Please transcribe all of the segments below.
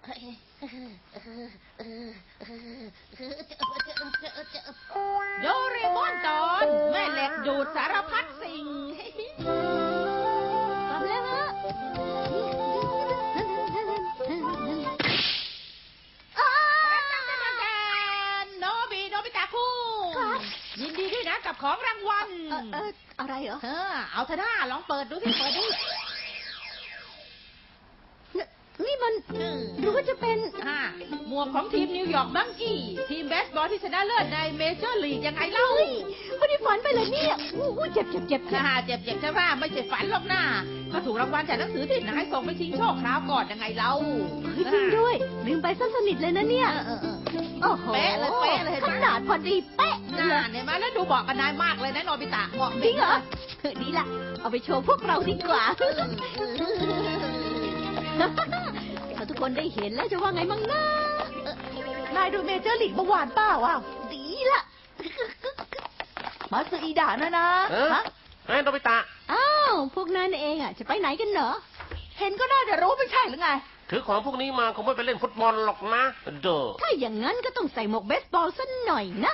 โดเรมอนตอนแม่เหล็กดูดสารพัดสิ่งทำแล้วฮะโนบิตะคุยินดีด้วยนะกับของรางวัลอะไรเหรอเอาเถอะนะลองเปิดดูสิเปิดดูนี่มันหรือว่าจะเป็นหมวกของทีมนิวยอร์กบังกี้ทีมเบสบอลที่ชนะเลิศในเมเจอร์ลีกยังไงเล่าไม่ได้ฝันไปเลยเนี่ยเจ็บเจ็บใช่ป่ะไม่ใช่ฝันหรอกนะก็ถูกรางวัลจากหนังสือที่นายส่งไปชิงโชคคราวก่อนยังไงเล่าจริงด้วยลืมไปซะสนิทเลยนะเนี่ยโอ้โหเป๊ะเลยขนาดพอดีเป๊ะเนี่ยมาแล้วดูบอกกับนายมากเลยนะโนบิตะบอกจริงเหรอดีละเอาไปโชว์พวกเราดีกว่าถ้าทุกคนได้เห็นแล้วจะว่าไงมั่งนะนายดูเมเจอร์ลีกเมื่อวานเปล่าวะดีละมาซื้ออีด่านะโนบิตะอ้าวพวกนั้นเองจะไปไหนกันเหรอเห็นก็น่าจะรู้ไม่ใช่หรือไงถือของพวกนี้มาคงไม่ไปเล่นฟุตบอลหรอกนะถ้าอย่างนั้นก็ต้องใส่หมวกเบสบอลสักหน่อยนะ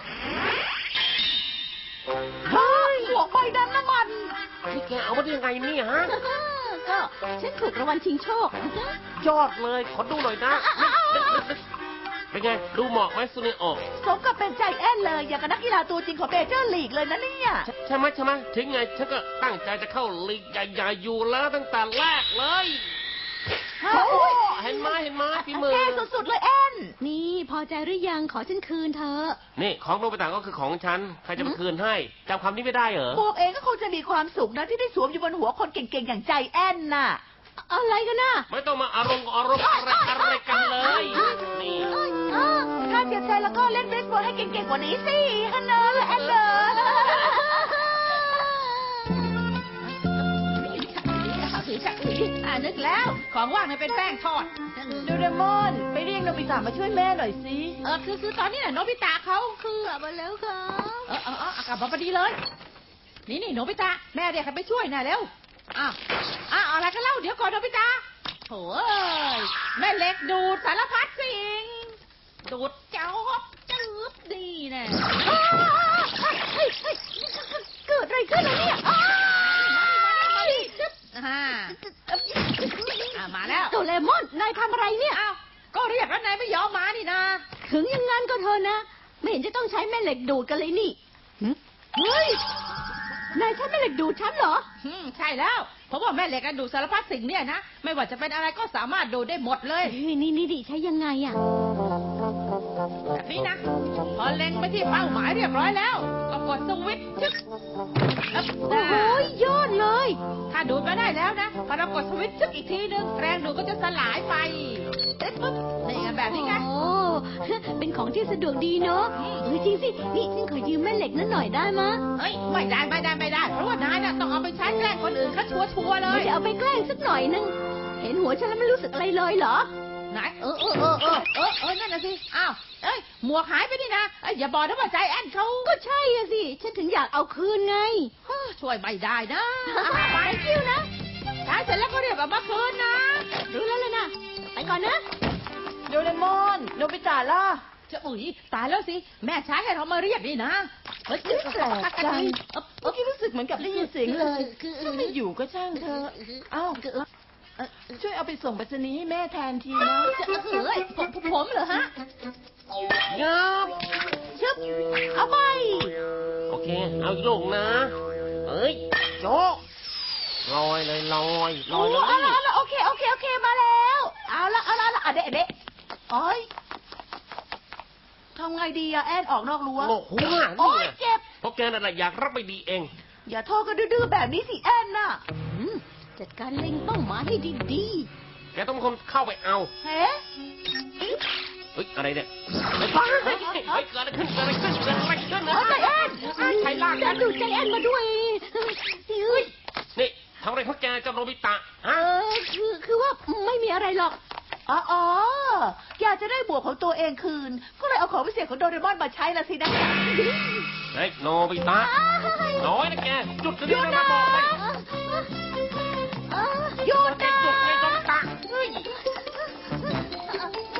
เฮ้ยหมวกใบนั้นนะมันนี่แกเอามาได้ยังไงเนี่ยฮะก็ฉันถูกรางวัลชิงโชคยอดเลยขอดูหน่อยนะเป็นไงดูเหมาะไหมซูเนโอสมกับเป็นใจแอนเลยอย่างกับนักกีฬาตัวจริงของเมเจอร์ลีกเลยนะเนี่ยใช่ไหมถึงไงฉันก็ตั้งใจจะเข้าลีกใหญ่ๆอยู่แล้วตั้งแต่แรกเลยเห็นไหมพี่มือเท่สุดๆเลยแอนนี่พอใจหรือยังขอฉันคืนเธอนี่ของโนบิตะก็คือของฉันใครจะมาคืนให้จำคำนี้ไม่ได้เหรอพวกเองก็คงจะมีความสุขนะที่ได้สวมอยู่บนหัวคนเก่งๆอย่างใจแอนน่ะอะไรกันน่ะไม่ต้องมาอารมณ์อะไรกันเลยนี่ถ้าเสียใจแล้วก็เล่นเบสบอลให้เก่งๆกว่านี้สิฮันเนอร์แอนเนอร์นึกแล้วของว่างมันเป็นแป้งทอดโดเรมอนไปเรียกโนบิตะมาช่วยแม่หน่อยสิคือตอนนี้น่ะโนบิตะเขาคือกลับมาแล้วค่ะกลับมาพอดีเลยนี่โนบิตะแม่เรียกใครไปช่วยน่ะเร็วอะไรกันเล่าเดี๋ยวก่อนโนบิตะโถ่แม่เล็กดูดสารพัดสิ่งดูดเจ้าจืดดีแน่เกิดอะไรขึ้นเนี่ยมาแล้วโดเรมอนนายทำอะไรเนี่ยก็เรียกแล้วนายไม่ยอมมานี่นะถึงอย่างงั้นก็เถอะนะไม่เห็นจะต้องใช้แม่เหล็กดูดกันเลยนี่เฮ้ยนายใช้แม่เหล็กดูดฉันเหรอใช่แล้วเพราะว่าแม่เหล็กดูดสารพัดสิ่งเนี่ยนะไม่ว่าจะเป็นอะไรก็สามารถดูดได้หมดเลยนี่ดิใช้ยังไงแบบนี้นะพอเล็งไปที่เป้าหมายเรียบร้อยแล้วก็กดสวิตช์จึ๊กโอ้โหยอดเลยถ้าดูดมาได้แล้วนะพอเรากดสวิตช์จึ๊กอีกทีนึงแรงดูดก็จะสลายไปปุ๊บนี่แบบนี้ไงโอ้เป็นของที่สะดวกดีเนาะจริงสินี่ฉันขอยืมแม่เหล็กนั้นหน่อยได้มะไม่ได้เพราะว่านายน่ะต้องเอาไปใช้แกล้งคนอื่นเขาชัวร์เลยไม่ได้เอาไปแกล้งสักหน่อยนึงเห็นหัวฉันแล้วไม่รู้สึกอะไรเลยเหรอไหนนั่นน่ะสิหมวกหายไปนี่นะอย่าบอกนะว่าใจแอนเขาก็ใช่สิฉันถึงอยากเอาคืนไงช่วยไม่ได้นะไปคิวนะใช้เสร็จแล้วก็เรียกมาคืนนะรู้แล้วเลยนะไปก่อนนะโดเรมอนโนบิตะล่ะจะตายแล้วสิแม่ใช้ให้เรามาเรียกนี่นะแปลกจังเมื่อกี้รู้สึกเหมือนกับได้ยินเสียงเลยถ้าไม่อยู่ก็ช่างเธอช่วยเอาไปส่งไปรษณีย์ให้แม่แทนทีนะผมเหรอฮะชึบเอาไปโอเคเอาอีกลูกนะโจลอยเลยโอเคมาแล้วเอาละเด็กทำไงดีอะแอนออกนอกรั้วโอ้โหเจ็บเพราะแกนั่นแหละอยากรับไม่ดีเองอย่าโทษกันดื้อแบบนี้สิแอนน่ะจัดการเล็งเป้าหมายให้ดีๆแกต้องเป็นคนเข้าไปเอาเฮ้อะไรเนี่ยเกิดอะไรขึ้นใจแอนใครลากกันดูใจแอนมาด้วยนี่ทำอะไรพวกแกกับโนบิตะคือว่าไม่มีอะไรหรอกอยากจะได้บวกของตัวเองคืนก็เลยเอาของพิเศษของโดเรมอนมาใช้ละสินะโนบิตะน้อยนะแกจุดนี้นะบอกเลยหยุดนะจุดในโนบิตะ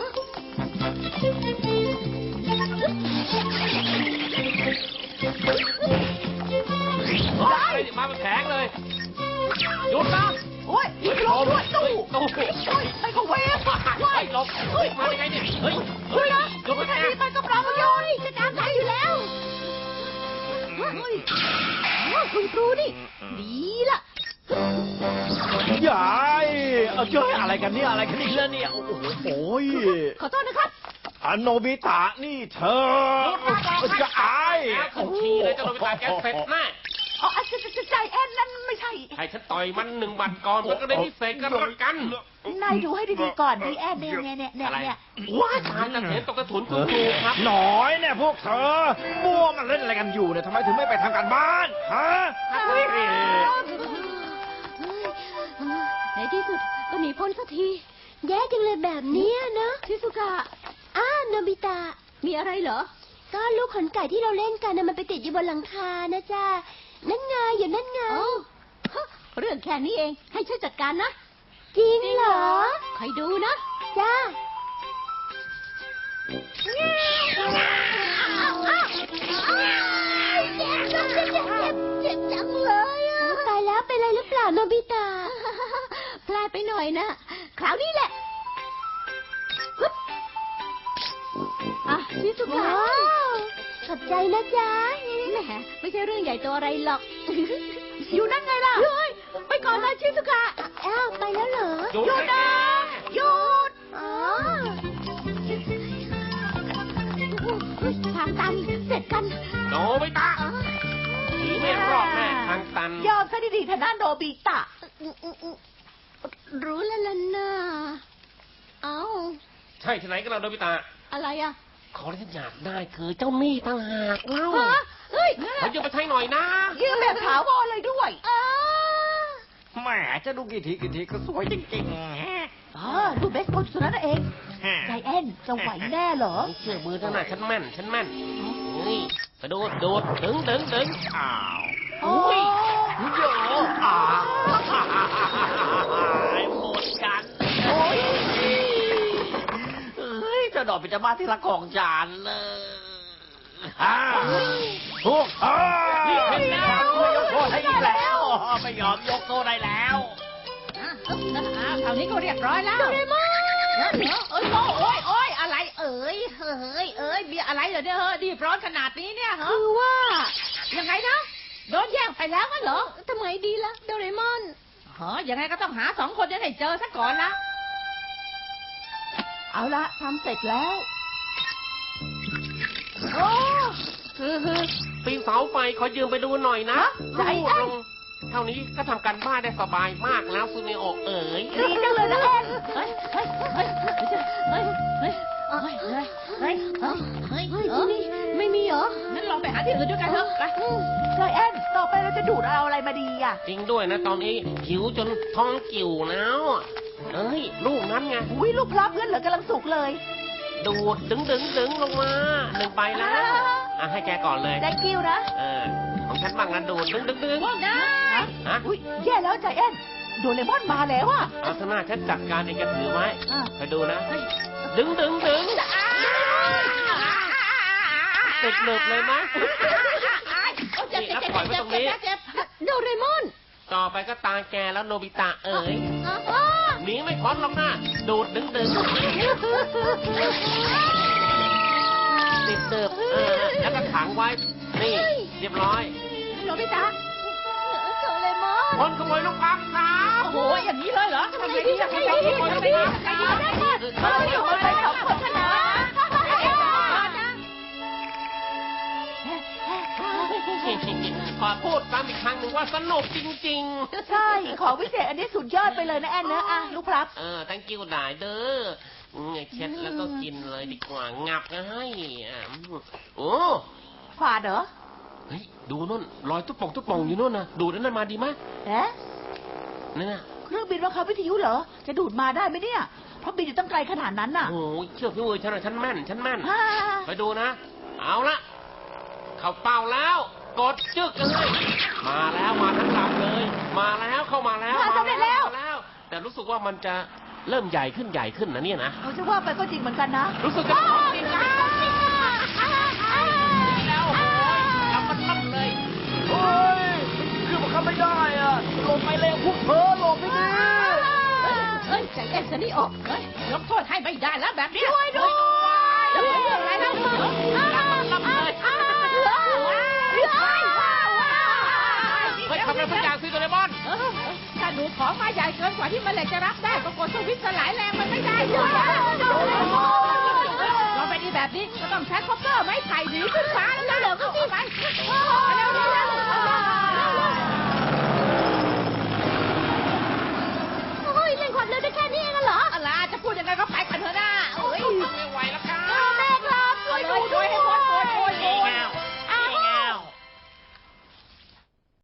ตูไอ้ก็เวฟว้ายหลบเฮ้ยมาได้ไงเนี่ยเฮ้ยเฮ้ยหยุดแค่นะนี้ไปกับเราโยนจะตามทันอยู่แล้วคุณครูนี่ ดีละยายเจ้ยอะไรกันเนี่ยอะไรกันอีกแล้วเนี่ยโอ้โหโอ้ยขอโทษนะครับโนบิตะนี่เธอจะอายแล้วขึ้นทีเลยเจ้าโนบิตะแกเสร็จแน่อ๋อใจแอนนั่นไม่ใช่ให้ฉันต่อยมัน1 บัตรก่อนมันก็ได้พิเศษกันละกันนายดูให้ดีๆก่อนดีแอนเนี่ยอะไรว้าตายจะเห็นตกกระถุนคุณครูครับหน่อยเนี่ยพวกเธอมั่วมันเล่นอะไรกันอยู่เนี่ยทำไมถึงไม่ไปทำการบ้านฮะในที่สุดก็หนีพ้นสักที แย่จังเลยแบบนี้นะชิซุกะโนบิตะ มีอะไรเหรอ ก็ลูกขนไก่ที่เราเล่นกันนะมันไปติดอยู่บนหลังคานะจ๊ะ นั่นไงอยู่นั่นไงเรื่องแค่นี้เอง ให้ช่วยจัดการนะ จริงเหรอใครดูนะ จ้าเจ็บจังเลยอ่ะตายแล้วเป็นไรหรือเปล่าโนบิตะพลาดไปหน่อยนะ คราวนี้แหละชิซุกะขอบใจนะจ๊ะแหมไม่ใช่เรื่องใหญ่โตอะไรหรอก อยู่นั่นไงล่ะไปก่อนเลยชิซุกะไปแล้วเหรอหยุดนะหยุดทางตันเสร็จกันโนบิตะหนีไม่รอดแน่ทางตันยอมซะดีๆทางด้านโนบิตะรู้แล้วล่ะนะใช่ที่ไหนกันเราโนบิตะอะไรอ่ะของที่ฉันอยากได้คือเจ้าหนี้ต่างหากเล่าเฮ้ยขอยืมไปใช้หน่อยนะยืมแบบถาวรเลยด้วยแหมจะดูกี่ทีก็สวยจริงดูเบสบอลสุดนั้นเองๆใจแอนจะไหวแน่เหรอเชื่อมือท่านน่ะฉันแม่นนี่กระโดดดึงอ้าวโอ้ยโยหมดกันโอ้ยเฮ้ยจะดอกเป็นจะมาที่ละกองจานเลยพวกเธอไม่ยกโทษให้อีกแล้วไม่ยอมยกโทษได้แล้วคราวนี้ก็เรียบร้อยแล้วโดเรมอนโอ้ยอะไรเอ้ยมีอะไรเหรอเนี่ยดีร้อนขนาดนี้เนี่ยเหรอคือว่ายังไงนะโดนแย่งไปแล้วงั้นเหรอทำไงดีล่ะโดเรมอนยังไงก็ต้องหา2 คนนี้ให้เจอซะก่อนนะเอาละทำเสร็จแล้วโอ้ปีนเสาไฟขอยืมไปดูหน่อยนะใจแอนเท่านี้ก็ทำการบ้านได้สบายมากแล้วซูเนโอะเอ๋ยดีจังเลยนะแอนเฮ้ยที่นี่ไม่มีเหรองั้นลองไปหาที่อื่นด้วยกันเถอะไปใจแอนต่อไปเราจะดูดเอาอะไรมาดีอ่ะจริงด้วยนะตอนนี้หิวจนท้องกิ่วแล้วเอ้ยลูกนั้นไงอุ้ยลูกพลับเพื่อนเหลือกำลังสุกเลยดูดดึงลงมา1 ใบแล้วให้แกก่อนเลยได้คิวนะของฉันบ้างนะดูดดึงนะฮะอุ้ยแย่แล้วใจแอนโดเรมอนมาแล้วอ่ะเอาเถอะนะฉันจัดการเองแกถือไว้อ่ะไปดูนะดึงติดหนึบเลยไหมนี่แล้วปล่อยไว้ตรงนี้โดเรมอนต่อไปก็ตาแกแล้วโนบิตะเอ๋ยหนีไม่พ้นหรอกนะดูดดึงติดเติบแล้วก็ขังไว้นี่เรียบร้อยโนบิตะโดเรมอนคนขโมยลูกปั๊บครับโอ้โหอย่างนี้เลยเหรอทำไงดีคนขโมยลูกปั๊บอยู่บนไป2 คนนะขอพูดซ้ำอีกครั้งหนึ่งว่าสนุกจริงใช่ ของวิเศษอันนี้สุดยอดไปเลยนะแอนนะอ่ะลูกพลับตั้งกิ้วหลายเด้อเช็ดแล้วก็กินเลยดีกว่างับให้โอ้ฝาดเหรอเฮ้ยดูนู่นรอยตุ๊บป่องอยู่นู่นนะดูดนั่นมาดีไหมเอ๊ะนั่นน่ะเครื่องบินว่าเขาวิทยุเหรอ จะดูดมาได้ไหมเนี่ย เพราะบินอยู่ตั้งไกลขนาดนั้นน่ะโอ้ยเชื่อพี่มือฉันหน่อยฉันแม่นอ่าไปดูนะ เอาละเข้าเป้าแล้ว กดจึกกันเลยมาแล้วมาทั้งลำเลย มาแล้วเข้ามาแล้วมาแล้ว แต่รู้สึกว่ามันจะเริ่มใหญ่ขึ้นนะเนี่ยนะเอาจะว่าไปก็จริงเหมือนกันนะรู้สึกจะของจริงนะแล้วโอ้ยทำมันลั่นเลยเฮ้ยคือมันเข้าไม่ได้อ่ะหลบไปเร็วพวกเธอหลบไปดิเอ้ยจะเล่นซะนี่ออกเฮ้ยยกโทษให้ไม่ได้แล้วแบบนี้ช่วยด้วยจะไปเรื่องอะไรแล้วรับเลยเฮ้ยทำอะไรสักอย่างสิโดเรมอนถ้าหนูขอมาใหญ่เกินกว่าที่มันเหล็กจะรับได้ก็กดสวิตช์สลายแรงมันไม่ได้ด้วยลองไปดีแบบนี้ก็ต้องใช้คอปเตอร์ไม้ไผ่หนีขึ้นฟ้าแล้วเร็วก็สิไปเร็ว